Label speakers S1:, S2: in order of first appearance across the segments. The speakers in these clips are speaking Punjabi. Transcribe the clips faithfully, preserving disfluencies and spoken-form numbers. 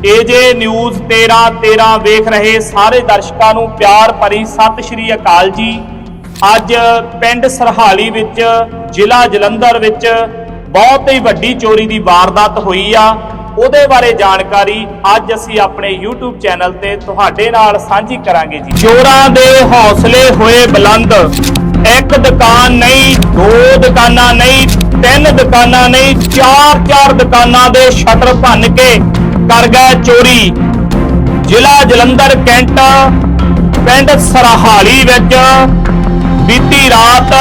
S1: ਏਜੇ ਨਿਊਜ਼ तेरह तेरह ਵੇਖ ਰਹੇ ਸਾਰੇ ਦਰਸ਼ਕਾਂ ਨੂੰ ਪਿਆਰ ਭਰੀ ਸਤਿ ਸ਼੍ਰੀ ਅਕਾਲ ਜੀ। ਅੱਜ ਪਿੰਡ ਸਰਹਾਲੀ ਵਿੱਚ ਜ਼ਿਲ੍ਹਾ ਜਲੰਧਰ ਵਿੱਚ ਬਹੁਤ ਹੀ ਵੱਡੀ ਚੋਰੀ ਦੀ ਵਾਰਦਾਤ ਹੋਈ ਆ। ਉਹਦੇ ਬਾਰੇ ਜਾਣਕਾਰੀ ਅੱਜ ਅਸੀਂ ਆਪਣੇ YouTube ਚੈਨਲ ਤੇ ਤੁਹਾਡੇ ਨਾਲ ਸਾਂਝੀ ਕਰਾਂਗੇ ਜੀ। ਚੋਰਾਂ ਦੇ ਹੌਸਲੇ ਹੋਏ ਬੁਲੰਦ, ਇੱਕ ਦੁਕਾਨ ਨਹੀਂ, ਦੋ ਦੁਕਾਨਾਂ ਨਹੀਂ, ਤਿੰਨ ਦੁਕਾਨਾਂ ਨਹੀਂ, ਚਾਰ ਚਾਰ ਦੁਕਾਨਾਂ ਦੇ ਸ਼ਟਰ ਭੰਨ ਕੇ ਕਰ ਗਏ ਚੋਰੀ। ਜ਼ਿਲ੍ਹਾ ਜਲੰਧਰ ਕੈਂਟ ਪਿੰਡ ਸਰਹਾਲੀ ਵਿੱਚ ਬੀਤੀ ਰਾਤ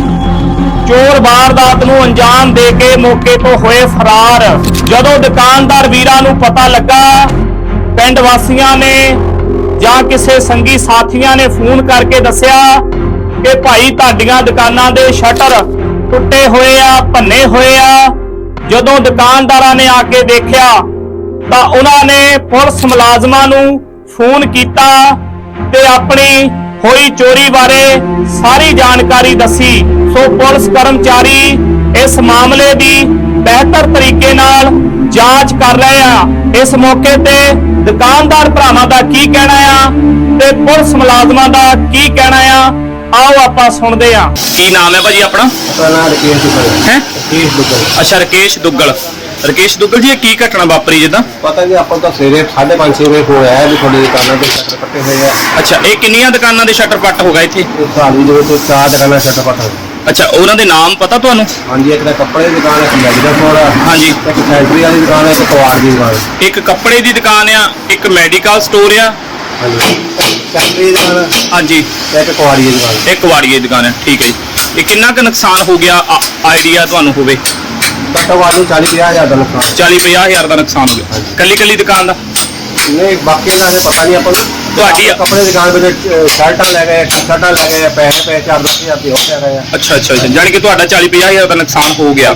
S1: ਚੋਰ ਵਾਰਦਾਤ ਨੂੰ ਅੰਜਾਮ ਦੇ ਕੇ ਮੌਕੇ ਤੋਂ ਹੋਏ ਫਰਾਰ। ਜਦੋਂ ਦੁਕਾਨਦਾਰ ਵੀਰਾਂ ਨੂੰ ਪਤਾ ਲੱਗਾ, ਪਿੰਡ ਵਾਸੀਆਂ ਨੇ ਜਾਂ ਕਿਸੇ ਸੰਗੀ ਸਾਥੀਆਂ ਨੇ ਫੋਨ ਕਰਕੇ ਦੱਸਿਆ ਕਿ ਭਾਈ ਤੁਹਾਡੀਆਂ ਦੁਕਾਨਾਂ ਦੇ ਸ਼ਟਰ ਟੁੱਟੇ ਹੋਏ ਆ, ਭੰਨੇ ਹੋਏ ਆ। ਜਦੋਂ ਦੁਕਾਨਦਾਰਾਂ ਨੇ ਆ ਕੇ ਦੇਖਿਆ ਤਾਂ ਉਹਨਾਂ ਨੇ ਪੁਲਿਸ ਮੁਲਾਜ਼ਮਾਂ ਨੂੰ ਫੋਨ ਕੀਤਾ ਤੇ ਆਪਣੀ ਹੋਈ ਚੋਰੀ ਬਾਰੇ ਸਾਰੀ ਜਾਣਕਾਰੀ ਦੱਸੀ। ਸੋ ਪੁਲਿਸ ਕਰਮਚਾਰੀ ਇਸ ਮਾਮਲੇ ਦੀ ਬਿਹਤਰ ਤਰੀਕੇ ਨਾਲ ਜਾਂਚ ਕਰ ਰਹੇ ਆ। ਇਸ ਮੌਕੇ ਤੇ ਦੁਕਾਨਦਾਰ ਭਰਾਵਾਂ ਦਾ ਕੀ ਕਹਿਣਾ ਆ ਤੇ ਪੁਲਿਸ ਮੁਲਾਜ਼ਮਾਂ ਦਾ ਕੀ ਕਹਿਣਾ ਆ, ਆਓ ਆਪਾਂ ਸੁਣਦੇ ਆ। ਕੀ ਨਾਮ ਹੈ ਭਾਜੀ ਆਪਣਾ?
S2: ਆਪਣਾ ਨਾਮ ਰਕੇਸ਼ ਦੁੱਗਲ ਹੈ। ਰਕੇਸ਼ ਦੁੱਗਲ।
S1: ਅੱਛਾ, ਰਕੇਸ਼ ਦੁੱਗਲ। ਰਕੇਸ਼ ਦੁੱਗਲ ਜੀ, ਇਹ ਕੀ ਘਟਨਾ ਵਾਪਰੀ ਜਿੱਦਾਂ?
S2: ਪਤਾ ਜੀ, ਆਪਾਂ ਤਾਂ ਸਵੇਰੇ ਸਾਢੇ ਪੰਜ ਛੇ ਵਜੇ ਫੋਨ ਆਇਆ ਵੀ ਤੁਹਾਡੀ ਦੁਕਾਨਾਂ ਦੇ ਸ਼ਟਰ ਪੱਟੇ ਹੋਏ ਆ।
S1: ਅੱਛਾ, ਇਹ ਕਿੰਨੀਆਂ ਦੁਕਾਨਾਂ ਦੇ ਸ਼ਟਰ ਪੱਟ ਹੋ ਗਏ ਇੱਥੇ?
S2: ਇਹ ਸਾਲੀ ਦੇ ਵਿੱਚ ਚਾਰ ਦੁਕਾਨਾਂ ਸ਼ਟਰ ਪੱਟ ਹੋ ਗਏ।
S1: ਅੱਛਾ, ਉਹਨਾਂ ਦੇ ਨਾਮ ਪਤਾ ਤੁਹਾਨੂੰ?
S2: ਹਾਂਜੀ, ਇੱਕ ਤਾਂ ਕੱਪੜੇ ਦੀ ਦੁਕਾਨ ਹੈ, ਇੱਕ ਮੈਡੀਕਲ ਸਟੋਰ ਆ।
S1: ਹਾਂਜੀ।
S2: ਇੱਕ ਫੈਕਟਰੀ ਵਾਲੀ ਦੁਕਾਨ ਹੈ, ਇੱਕ ਕਵਾੜ ਦੀ ਦੁਕਾਨ ਹੈ।
S1: ਇੱਕ ਕੱਪੜੇ ਦੀ ਦੁਕਾਨ ਆ, ਇੱਕ ਮੈਡੀਕਲ ਸਟੋਰ ਆ।
S2: ਹਾਂਜੀ, ਫੈਕਟਰੀ ਦੀ ਦੁਕਾਨ ਹੈ।
S1: ਹਾਂਜੀ।
S2: ਤੇ ਇੱਕ ਕਵਾੜੀ ਦੀ ਦੁਕਾਨ ਹੈ।
S1: ਇੱਕ ਵਾੜੀਏ ਦੀ ਦੁਕਾਨ ਹੈ। ਠੀਕ ਹੈ ਜੀ। ਇਹ ਕਿੰਨਾ ਕੁ ਨੁਕਸਾਨ ਹੋ ਗਿਆ ਆਈਡੀਆ ਤੁਹਾਨੂੰ ਹੋਵੇ?
S2: ਘੱਟੋ ਘੱਟ ਚਾਲੀ ਪੰਜਾਹ ਹਜ਼ਾਰ ਦਾ ਨੁਕਸਾਨ।
S1: ਚਾਲੀ ਪੰਜਾਹ ਹਜ਼ਾਰ ਦਾ ਨੁਕਸਾਨ ਹੋ ਗਿਆ ਕੱਲੀ ਕੱਲੀ ਦੁਕਾਨ ਦਾ?
S2: ਨਹੀਂ, ਬਾਕੀ ਦਾ ਪਤਾ ਨਹੀਂ ਆਪਾਂ ਨੂੰ।
S1: ਤੁਹਾਡੀ
S2: ਕੱਪੜੇ ਦੀ ਦੁਕਾਨ ਵਿੱਚ ਸ਼ਰਟਾਂ ਲੈ ਗਏ, ਸ਼ਰਟਾਂ ਲੈ ਗਏ, ਪੈਸੇ ਪੈ ਚਾਰ ਦਸ ਹਜ਼ਾਰ ਦੇ ਹੋ ਕੇ ਗਏ ਆ।
S1: ਅੱਛਾ ਅੱਛਾ ਅੱਛਾ, ਜਾਣੀ ਕਿ ਤੁਹਾਡਾ ਚਾਲੀ ਪੰਜਾਹ ਹਜ਼ਾਰ ਦਾ ਨੁਕਸਾਨ ਹੋ ਗਿਆ।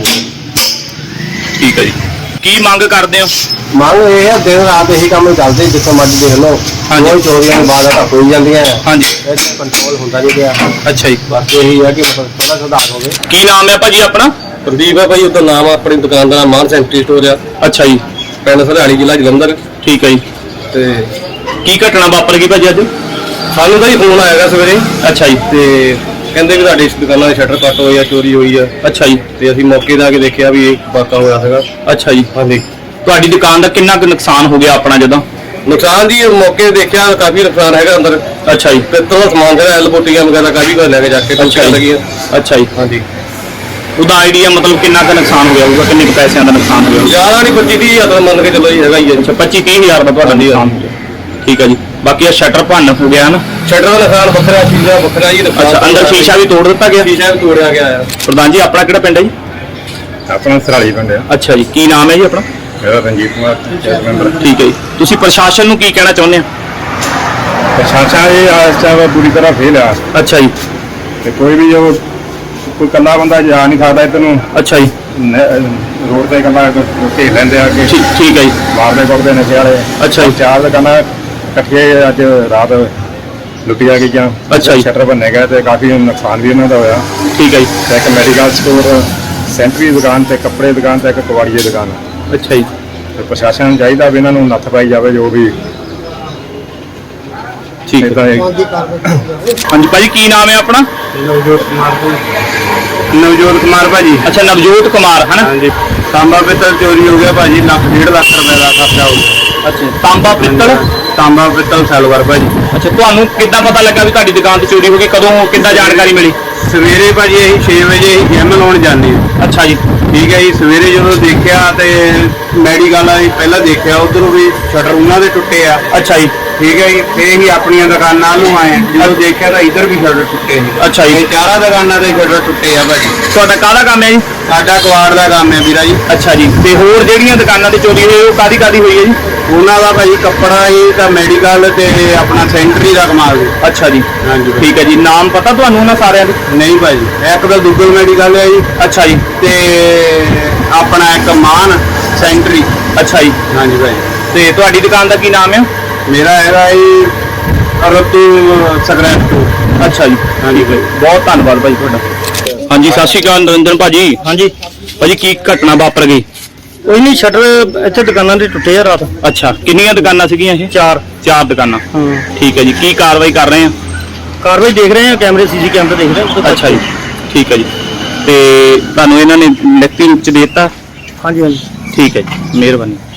S1: ਠੀਕ ਹੈ ਜੀ। ਕੀ ਮੰਗ ਕਰਦੇ ਹੋ?
S2: ਮੰਗ ਇਹ ਹੈ, ਦਿਨ ਰਾਤ ਇਹੀ ਕੰਮ ਚੱਲਦੇ, ਜਿੱਥੋਂ ਮਰਜ਼ੀ ਦੇਖ ਲਓ। ਕੋਈ ਚੋਰੀਆਂ ਦੀ ਵਾਰਦਾਤਾਂ ਹੋਈ ਜਾਂਦੀਆਂ ਆ।
S1: ਹਾਂਜੀ।
S2: ਇਹਦਾ ਕੰਟਰੋਲ ਹੁੰਦਾ ਨਹੀਂ ਪਿਆ।
S1: ਅੱਛਾ ਜੀ।
S2: ਬਸ ਇਹੀ ਹੈ ਕਿ ਮਤਲਬ ਥੋੜਾ ਸੁਧਾਰ ਹੋਵੇ।
S1: ਕੀ ਨਾਮ ਹੈ ਭਾਜੀ ਆਪਣਾ?
S2: ਪ੍ਰਦੀਪ ਹੈ ਭਾਈ, ਉਹਦਾ ਨਾਮ ਆਪਣੀ ਦੁਕਾਨ ਦਾ ਨਾਮ ਮਾਨ ਸੈਂਟਰੀ ਸਟੋਰ ਆ।
S1: ਅੱਛਾ ਜੀ।
S2: ਪਿੰਡ ਸਰਹਾਲੀ, ਜ਼ਿਲ੍ਹਾ ਜਲੰਧਰ।
S1: ਠੀਕ ਹੈ ਜੀ।
S2: ਤੇ
S1: ਕੀ ਘਟਨਾ ਵਾਪਰ ਗਈ ਭਾਜੀ ਅੱਜ?
S2: ਸਾਨੂੰ ਤਾਂ ਹੀ ਫੋਨ ਆਏਗਾ ਸਵੇਰੇ।
S1: ਅੱਛਾ ਜੀ।
S2: ਤੇ ਕਹਿੰਦੇ ਵੀ ਤੁਹਾਡੀ ਇਸ ਦੁਕਾਨਾਂ ਦੇ ਸ਼ਟਰ ਕੱਟ ਹੋਏ ਆ, ਚੋਰੀ ਹੋਈ ਆ।
S1: ਅੱਛਾ ਜੀ।
S2: ਤੇ ਅਸੀਂ ਮੌਕੇ ਤੇ ਆ ਕੇ ਦੇਖਿਆ ਵੀ ਇਹ ਵਾਕਾ ਹੋਇਆ ਸੀਗਾ।
S1: ਅੱਛਾ ਜੀ।
S2: ਹਾਂਜੀ।
S1: ਤੁਹਾਡੀ ਦੁਕਾਨ ਦਾ ਕਿੰਨਾ ਕੁ ਨੁਕਸਾਨ ਹੋ ਗਿਆ ਆਪਣਾ ਜਦੋਂ?
S2: ਨੁਕਸਾਨ ਜੀ ਮੌਕੇ ਤੇ ਦੇਖਿਆ ਕਾਫੀ ਨੁਕਸਾਨ ਹੈਗਾ ਅੰਦਰ।
S1: ਅੱਛਾ ਜੀ।
S2: ਪਿੱਤਲ ਦਾ ਸਮਾਨ ਜਿਹੜਾ ਐਲ ਬੋਟੀਆਂ ਵਗੈਰਾ ਕਾਫੀ ਕੁਝ ਲੈ ਕੇ ਜਾ ਕੇ
S1: ਅੱਛਾ ਜੀ।
S2: ਅੱਛਾ ਜੀ। ਹਾਂਜੀ।
S1: ਉਹਦਾ ਆਈਡੀਆ ਮਤਲਬ ਕਿੰਨਾ ਕੁ ਨੁਕਸਾਨ ਹੋ ਗਿਆ ਹੋਊਗਾ? ਕਿੰਨੇ ਕੁ ਪੈਸਿਆਂ ਦਾ ਨੁਕਸਾਨ ਹੋ ਗਿਆ?
S2: ਜ਼ਿਆਦਾ ਨਹੀਂ, ਪੱਚੀ ਤੀਹ ਹਜ਼ਾਰ ਮੰਨ ਕੇ ਚੱਲੋ ਜੀ, ਹੈਗਾ ਹੀ ਹੈ।
S1: ਅੱਛਾ, ਪੱਚੀ ਤੀਹ ਹਜ਼ਾਰ ਦਾ ਤੁਹਾਡਾ ਨੁਕਸਾਨ ਹੋ ਗਿਆ। ਠੀਕ ਹੈ ਜੀ। ਬਾਕੀ ਆ ਸ਼ਟਰ ਭੰਨ ਹੋ ਗਿਆ ਨਾ?
S2: ਸ਼ਟਰ ਦਾ ਨੁਕਸਾਨ ਵੱਖਰਾ, ਸ਼ੀਸ਼ਾ ਵੱਖਰਾ ਜੀ।
S1: ਅੱਛਾ, ਅੰਦਰ ਸ਼ੀਸ਼ਾ ਵੀ ਤੋੜ ਦਿੱਤਾ ਗਿਆ?
S2: ਸ਼ੀਸ਼ਾ ਵੀ ਤੋੜਿਆ ਗਿਆ ਆ।
S1: ਪ੍ਰਧਾਨ ਜੀ, ਆਪਣਾ ਕਿਹੜਾ ਪਿੰਡ ਹੈ ਜੀ?
S3: ਆਪਣਾ ਸਰਹਾਲੀ ਪਿੰਡ ਆ।
S1: ਅੱਛਾ ਜੀ। ਕੀ ਨਾਮ ਹੈ ਜੀ ਆਪਣਾ?
S3: ਮੇਰਾ ਰਣਜੀਤ ਕੁਮਾਰ, ਪੰਚਾਇਤ ਮੈਂਬਰ।
S1: ਠੀਕ ਹੈ ਜੀ। ਤੁਸੀਂ ਪ੍ਰਸ਼ਾਸਨ ਨੂੰ ਕੀ ਕਹਿਣਾ ਚਾਹੁੰਦੇ ਆ?
S3: ਪ੍ਰਸ਼ਾਸਨ ਇਹ ਇਸ ਟਾਈਮ ਪੂਰੀ ਤਰ੍ਹਾਂ ਫੇਲ ਆ
S1: ਅੱਛਾ ਜੀ।
S3: ਤੇ ਕੋਈ ਵੀ ਜੋ ਕੋਈ ਇਕੱਲਾ ਬੰਦਾ ਜਾ ਨਹੀਂ ਸਕਦਾ ਇੱਧਰ ਨੂੰ।
S1: ਅੱਛਾ ਜੀ।
S3: ਰੋਡ ਤੇ ਇਕੱਲਾ ਘੇਰ ਲੈਂਦੇ ਆ ਕਿ
S1: ਠੀਕ ਠੀਕ ਹੈ ਜੀ।
S3: ਮਾਰਦੇ ਕੁੱਟਦੇ ਨਸ਼ੇ ਵਾਲੇ।
S1: ਅੱਛਾ ਜੀ।
S3: ਚਾਰ ਦੁਕਾਨਾਂ ਇਕੱਠੀਆਂ ਅੱਜ ਰਾਤ ਲੁੱਟੀਆਂ ਗਈਆਂ।
S1: ਅੱਛਾ ਜੀ।
S3: ਸ਼ਟਰ ਭੰਨੇ ਗਏ ਤੇ ਕਾਫੀ ਨੁਕਸਾਨ ਵੀ ਇਹਨਾਂ ਦਾ ਹੋਇਆ।
S1: ਠੀਕ ਹੈ ਜੀ।
S3: ਤੇ ਇੱਕ ਮੈਡੀਕਲ ਸਟੋਰ, ਸੈਂਟਰੀ ਦੁਕਾਨ ਤੇ ਕੱਪੜੇ ਦੁਕਾਨ ਤੇ ਇੱਕ ਕਵਾੜੀ ਦੀ ਦੁਕਾਨ।
S1: ਅੱਛਾ ਜੀ।
S3: ਤੇ ਪ੍ਰਸ਼ਾਸਨ ਨੂੰ ਚਾਹੀਦਾ ਵੀ ਇਹਨਾਂ ਨੂੰ ਨੱਥ ਪਾਈ ਜਾਵੇ ਜੋ ਵੀ।
S1: ਠੀਕ ਹੈ। ਹਾਂਜੀ ਭਾਜੀ, ਕੀ ਨਾਮ ਹੈ ਆਪਣਾ?
S2: ਨਵਜੋਤ ਕੁਮਾਰ
S3: ਨਵਜੋਤ ਕੁਮਾਰ ਭਾਜੀ।
S1: ਅੱਛਾ, ਨਵਜੋਤ ਕੁਮਾਰ ਹੈ ਨਾ?
S2: ਹਾਂਜੀ। ਤਾਂਬਾ ਪਿੱਤਲ ਚੋਰੀ ਹੋ ਗਿਆ ਭਾਜੀ, ਲੱਖ ਡੇਢ ਲੱਖ ਰੁਪਏ ਦਾ ਖਰਚਾ ਹੋ ਗਿਆ।
S1: ਅੱਛਾ, ਤਾਂਬਾ ਪਿੱਤਲ?
S2: ਤਾਂਬਾ ਪਿੱਤਲ ਸੈਲਵਰ ਭਾਜੀ।
S1: ਅੱਛਾ, ਤੁਹਾਨੂੰ ਕਿੱਦਾਂ ਪਤਾ ਲੱਗਾ ਵੀ ਤੁਹਾਡੀ ਦੁਕਾਨ ਤੇ ਚੋਰੀ ਹੋ ਗਈ? ਕਦੋਂ, ਕਿੱਦਾਂ ਜਾਣਕਾਰੀ ਮਿਲੀ?
S2: ਸਵੇਰੇ ਭਾਜੀ ਅਸੀਂ ਛੇ ਵਜੇ ਅਸੀਂ ਜਿਮ ਲਾਉਣ ਜਾਂਦੇ ਹਾਂ।
S1: ਅੱਛਾ ਜੀ।
S2: ਠੀਕ ਹੈ ਜੀ। ਸਵੇਰੇ ਜਦੋਂ ਦੇਖਿਆ ਤੇ ਮੈਡੀਕਲ ਵਾਲੀ ਪਹਿਲਾਂ ਦੇਖਿਆ, ਉਧਰੋਂ ਵੀ ਸ਼ਟਰ ਉਹਨਾਂ ਦੇ ਟੁੱਟੇ ਆ।
S1: ਅੱਛਾ ਜੀ।
S2: ਠੀਕ ਹੈ ਜੀ। ਫੇਰ ਹੀ ਆਪਣੀਆਂ ਦੁਕਾਨਾਂ ਨੂੰ ਆਏ, ਜਦੋਂ ਦੇਖਿਆ ਤਾਂ ਇੱਧਰ ਵੀ ਸ਼ਟਰ ਟੁੱਟੇ ਸੀ।
S1: ਅੱਛਾ ਜੀ।
S2: ਇਹ ਚਾਰਾਂ ਦੁਕਾਨਾਂ ਦੇ ਸ਼ਟਰ ਟੁੱਟੇ ਆ ਭਾਜੀ।
S1: ਤੁਹਾਡਾ ਕਾਹਦਾ ਕੰਮ ਹੈ ਜੀ?
S2: ਸਾਡਾ ਕਵਾੜ ਦਾ ਕੰਮ ਹੈ ਵੀਰਾ ਜੀ।
S1: ਅੱਛਾ ਜੀ। ਤੇ ਹੋਰ ਜਿਹੜੀਆਂ ਦੁਕਾਨਾਂ ਤੇ ਚੋਰੀ ਹੋਈ ਉਹ ਕਾਦੀ ਕਾਦੀ ਹੋਈ ਹੈ ਜੀ?
S2: ਉਹਨਾਂ ਦਾ ਭਾਜੀ ਕੱਪੜਾ ਹੀ ਤਾਂ ਮੈਡੀਕਲ ਤੇ ਆਪਣਾ ਸੈਂਟਰੀ ਦਾ ਕਮਾਲ ਜੀ।
S1: ਅੱਛਾ ਜੀ।
S2: ਹਾਂਜੀ।
S1: ਠੀਕ ਹੈ ਜੀ। ਨਾਮ ਪਤਾ ਤੁਹਾਨੂੰ ਉਹਨਾਂ ਸਾਰਿਆਂ ਦੇ?
S2: ਨਹੀਂ ਭਾਜੀ, ਇੱਕ ਤਾਂ ਦੁੱਗਲ ਮੈਡੀਕਲ ਹੈ ਜੀ।
S1: ਅੱਛਾ ਜੀ।
S2: ਤੇ ਆਪਣਾ ਇੱਕ ਮਾਨ ਸੈਂਟਰੀ।
S1: ਅੱਛਾ ਜੀ।
S2: ਹਾਂਜੀ ਭਾਜੀ।
S1: ਤੇ ਤੁਹਾਡੀ ਦੁਕਾਨ ਦਾ ਕੀ ਨਾਮ ਹੈ?
S2: ਮੇਰਾ ਹੈਗਾ ਜੀ ਰਤੂ ਸਕ੍ਰੈਪ ਸਟੋਰ।
S1: ਅੱਛਾ ਜੀ।
S2: ਹਾਂਜੀ ਭਾਈ,
S1: ਬਹੁਤ ਧੰਨਵਾਦ ਭਾਈ ਤੁਹਾਡਾ। ਹਾਂਜੀ, ਸਤਿ ਸ਼੍ਰੀ ਅਕਾਲ ਨਰਿੰਦਰ ਭਾਜੀ। ਹਾਂਜੀ ਭਾਜੀ, ਕੀ ਘਟਨਾ ਵਾਪਰ ਗਈ?
S4: ਕੋਈ ਨਹੀਂ, ਸ਼ਟਰ ਇੱਥੇ ਦੁਕਾਨਾਂ ਦੇ ਟੁੱਟੇ ਆ ਰਾਤ।
S1: ਅੱਛਾ, ਕਿੰਨੀਆਂ ਦੁਕਾਨਾਂ ਸੀਗੀਆਂ ਇਹ?
S4: ਚਾਰ।
S1: ਚਾਰ ਦੁਕਾਨਾਂ।
S4: ਹਾਂ,
S1: ਠੀਕ ਹੈ ਜੀ, ਕੀ ਕਾਰਵਾਈ ਕਰ ਰਹੇ ਆ?
S4: ਕਾਰਵਾਈ ਦੇਖ ਰਹੇ ਆ, ਕੈਮਰੇ ਸੀਸੀ ਕੈਮਰੇ ਦੇਖ ਰਹੇ ਆ ਉਹਦੇ
S1: ਅੱਛਾ ਜੀ, ਠੀਕ ਹੈ ਜੀ। ਤੇ ਤੁਹਾਨੂੰ ਇਹਨਾਂ ਨੇ ਲਿਖਤੀ ਰੂਪ ਚ ਦੇ ਦਿੱਤਾ?
S4: ਹਾਂਜੀ ਹਾਂਜੀ।
S1: ਠੀਕ ਹੈ ਜੀ, ਮਿਹਰਬਾਨੀ।